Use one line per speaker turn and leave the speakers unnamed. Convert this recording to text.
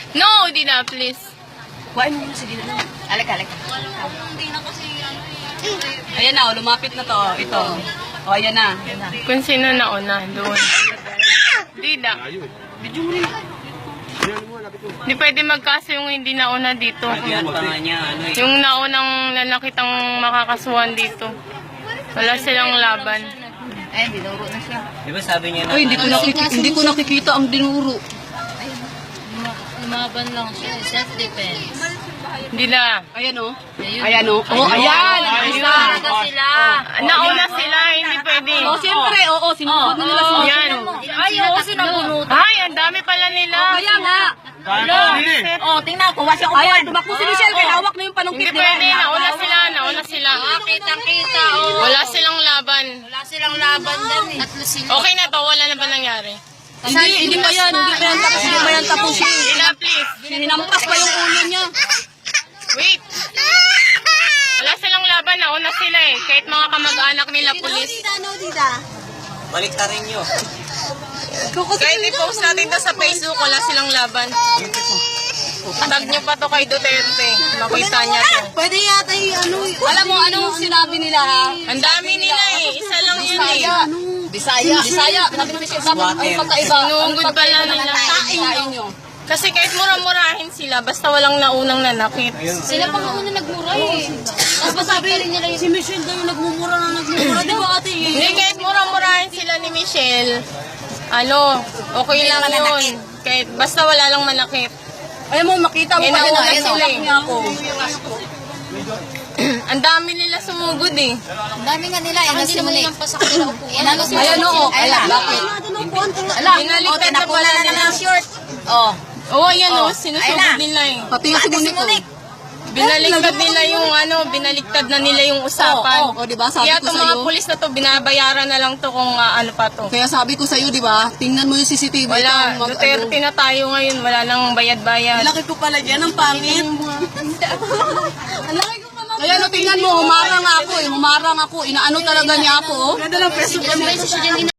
No, Dina, please.
Kuhain mo muna si Dina. Alika.
Hindi na kasi
Ayan na, lumapit na to. Ito. O, ayan na.
Kung sino nauna, doon. Dina.
Video mo rin.
Hindi pwede magkaso yung hindi nauna dito.
Yan pa nga niya, ano eh.
Yung naunang lalakitang makakasuhan dito. Wala silang laban.
Ay, dinuro na siya.
Di ba sabi niya na,
Ay, hindi ko nakikita ang dinuro.
Lumaban lang siya. Self-defense.
Hindi na.
Ayan o. Ayan o. Oh, ayan.
Talaga sila.
Nauna sila, hindi pwede.
Oh, siyempre, oo. Sinunod na nila.
Yan.
Ay, oo, sinabunutan.
Ay, ang dami pala nila.
Kaya nga.
Oh, tingnan ko. Wasi ako.
Ayan, tumakbo si Michelle. Kaya hawak na yung panungkit
Hindi pwede, nauna sila.
Kitang-kita. Oh.
Wala silang laban.
Wala silang laban dyan eh. Tatlo sila.
Okay na to, wala na ba nangyari?
Hindi pa yan. Hindi pa yan tapos.
Dina, please.
Hinampas pa yung ulo niya.
Wait. Wala silang laban, nauna sila eh. Kahit mga kamag-anak nila, pulis.
balik ka rin nyo.
Kahit i-post natin to sa Facebook, wala silang laban. Tag nyo pa to kay Duterte. Makita niya to.
Pwede yata alam mo, anong sinabi nila ha?
Ang dami nila eh. Isa lang yun eh.
Bisaya. Sabi ni Michelle, dapat ay pagkaiba.
Sinungod pala nila.
Kain nyo.
Kasi kahit mura-murahin sila, basta walang naunang nanakit.
Sila pa nga una nagmura eh. Tapos sabi rin nila
Si Michelle daw yung nagmumura. Di ba ate?
Hindi, kahit mura-murahin sila ni Michelle, okay lang yun. Kahit basta wala lang manakit.
Ayaw mo, makita mo.
Nauna
Ayun,
sila
ayun,
eh.
niya ako.
Ang dami nila sumugod eh.
ang dami nga nila. Hindi naman nilang pasak nila upuan.
Ayan oo. Ayan, bakit? Ala,
Binaliktad na pala nila.
short.
Oh.
Oo, ayan o, sinusugod nila eh.
Pati yung si Monique.
Binaliktad nila yung binaliktad na nila yung usapan.
Oo, diba? Sabi
Kaya
ko
itong mga
sa'yo.
pulis na to, binabayaran na lang to kung ano pa to.
Kaya sabi ko sa'yo, di ba? Tingnan mo yung CCTV.
Wala, Duterte na tayo ngayon, wala nang bayad-bayad.
Laki ko pala dyan, ang pangit. Kaya no, tingnan mo, humarang ako. Inaano talaga niya ako. Ganda lang, preso.